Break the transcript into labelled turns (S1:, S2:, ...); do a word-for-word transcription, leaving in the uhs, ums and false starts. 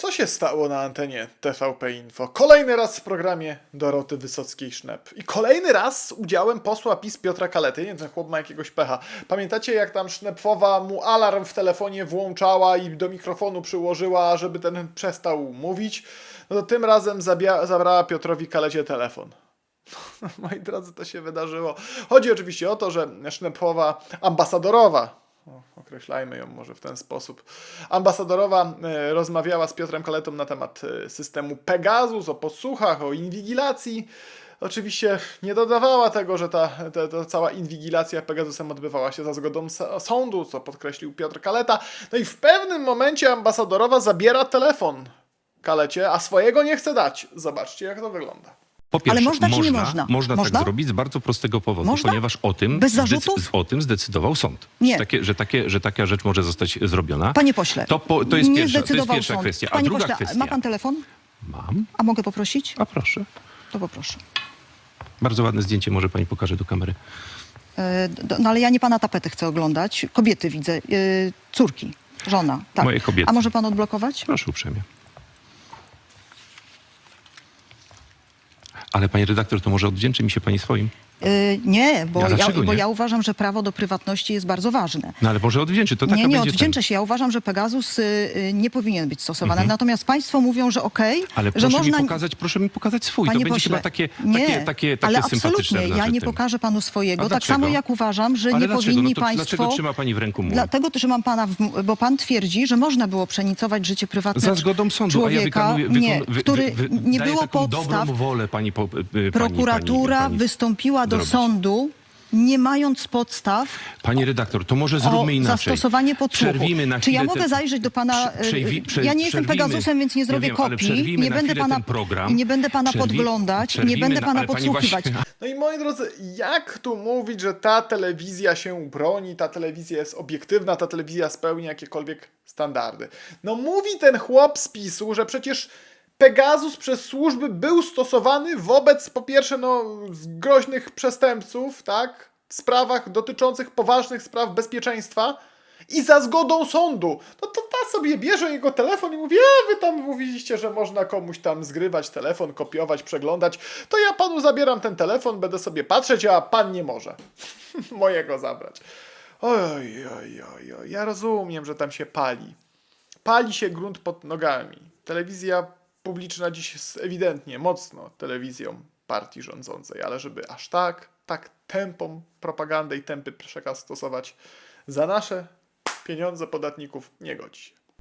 S1: Co się stało na antenie T V P Info? Kolejny raz w programie Doroty Wysockiej-Sznep. I kolejny raz z udziałem posła PiS Piotra Kalety. Nie wiem, ten chłop ma jakiegoś pecha. Pamiętacie, jak tam Sznepfowa mu alarm w telefonie włączała i do mikrofonu przyłożyła, żeby ten przestał mówić? No to tym razem zabrała Piotrowi Kalecie telefon. Moi drodzy, to się wydarzyło. Chodzi oczywiście o to, że Sznepfowa ambasadorowa, o, określajmy ją może w ten sposób, ambasadorowa e, rozmawiała z Piotrem Kaletą na temat e, systemu Pegasus, o podsłuchach, o inwigilacji. Oczywiście nie dodawała tego, że ta, ta, ta cała inwigilacja Pegasusem odbywała się za zgodą sądu, co podkreślił Piotr Kaleta. No i w pewnym momencie ambasadorowa zabiera telefon Kalecie, a swojego nie chce dać. Zobaczcie, jak to wygląda.
S2: Po pierwsze,
S3: Ale można,
S2: można,
S3: czy nie można?
S2: można
S3: Można?
S2: tak zrobić z bardzo prostego powodu,
S3: Można?
S2: ponieważ o tym,
S3: Bez zarzutów?
S2: zdecy- o tym zdecydował sąd.
S3: Nie.
S2: Że, takie, że, takie, że taka rzecz może zostać zrobiona.
S3: Panie pośle,
S2: to, po, to, jest,
S3: nie
S2: pierwsza, to jest
S3: zdecydował
S2: pierwsza
S3: sąd.
S2: kwestia. A
S3: Panie
S2: druga
S3: pośle,
S2: kwestia.
S3: ma pan telefon?
S2: Mam.
S3: A mogę poprosić?
S2: A proszę.
S3: To poproszę.
S2: Bardzo ładne zdjęcie, może pani pokaże do kamery.
S3: E, do, no ale ja nie pana tapety chcę oglądać. Kobiety widzę. E, córki. Żona. Tak.
S2: Moje kobiety.
S3: A może pan odblokować?
S2: Proszę uprzejmie. Ale pani redaktor, to może odwdzięczy mi się pani swoim?
S3: E, nie, bo,
S2: A
S3: ja,
S2: dlaczego
S3: bo
S2: nie?
S3: ja uważam, że prawo do prywatności jest bardzo ważne.
S2: No ale może odwdzięczy, to taka
S3: Nie, nie
S2: będzie
S3: odwdzięczę
S2: ten.
S3: się. Ja uważam, że Pegasus y, y, nie powinien być stosowany.
S2: Mhm.
S3: Natomiast państwo mówią, że okej,
S2: Ale
S3: że
S2: proszę
S3: można...
S2: mi pokazać, proszę mi pokazać swój.
S3: Panie
S2: to będzie
S3: pośle,
S2: chyba takie,
S3: nie,
S2: takie, takie, takie
S3: ale
S2: sympatyczne
S3: absolutnie,
S2: w
S3: ja nie
S2: naszym tym.
S3: pokażę panu swojego.
S2: A
S3: Tak
S2: dlaczego?
S3: samo jak uważam, że
S2: Ale
S3: nie
S2: dlaczego?
S3: powinni
S2: No to
S3: państwo...
S2: dlaczego trzyma pani w ręku mój?
S3: Dlatego trzymam pana, w, bo pan twierdzi, że można było przenicować życie prywatne
S2: Za zgodą sądu,
S3: człowieka,
S2: a ja wykonuję, wykon,
S3: nie,
S2: wy,
S3: który
S2: wy, wy,
S3: nie
S2: daję
S3: było
S2: taką
S3: podstaw.
S2: dobrą wolę pani, po, pani
S3: Prokuratura
S2: pani, pani
S3: wystąpiła do
S2: zrobić.
S3: sądu, nie mając podstaw
S2: Pani redaktor, to może zróbmy
S3: o
S2: inaczej.
S3: zastosowanie podsłuchu.
S2: Przerwijmy na
S3: Czy ja
S2: chwilę
S3: mogę
S2: ten-
S3: zajrzeć do pana...
S2: Prze- przejwi- prze-
S3: ja nie jestem
S2: przerwijmy-
S3: Pegasusem, więc nie zrobię
S2: ja wiem, ale
S3: kopii.
S2: przerwijmy
S3: Nie
S2: na
S3: będę
S2: chwilę
S3: pana,
S2: ten program.
S3: nie będę pana
S2: Przerwi-
S3: podglądać, nie
S2: przerwijmy
S3: będę
S2: na-
S3: pana
S2: ale pani
S3: podsłuchiwać.
S2: właśnie-
S1: No i moi drodzy, jak tu mówić, że ta telewizja się broni, ta telewizja jest obiektywna, ta telewizja spełnia jakiekolwiek standardy? No mówi ten chłop z PiSu, że przecież Pegasus przez służby był stosowany wobec, po pierwsze, no, groźnych przestępców, tak? W sprawach dotyczących poważnych spraw bezpieczeństwa i za zgodą sądu. No to ta sobie bierze jego telefon i mówi, a wy tam mówiliście, że można komuś tam zgrywać telefon, kopiować, przeglądać, to ja panu zabieram ten telefon, będę sobie patrzeć, a pan nie może mojego zabrać. Oj, oj, oj, oj, ja rozumiem, że tam się pali. Pali się grunt pod nogami. Telewizja publiczna dziś jest ewidentnie mocno telewizją partii rządzącej, ale żeby aż tak, tak tępą propagandę i tępy przekaz stosować za nasze pieniądze podatników, nie godzi się.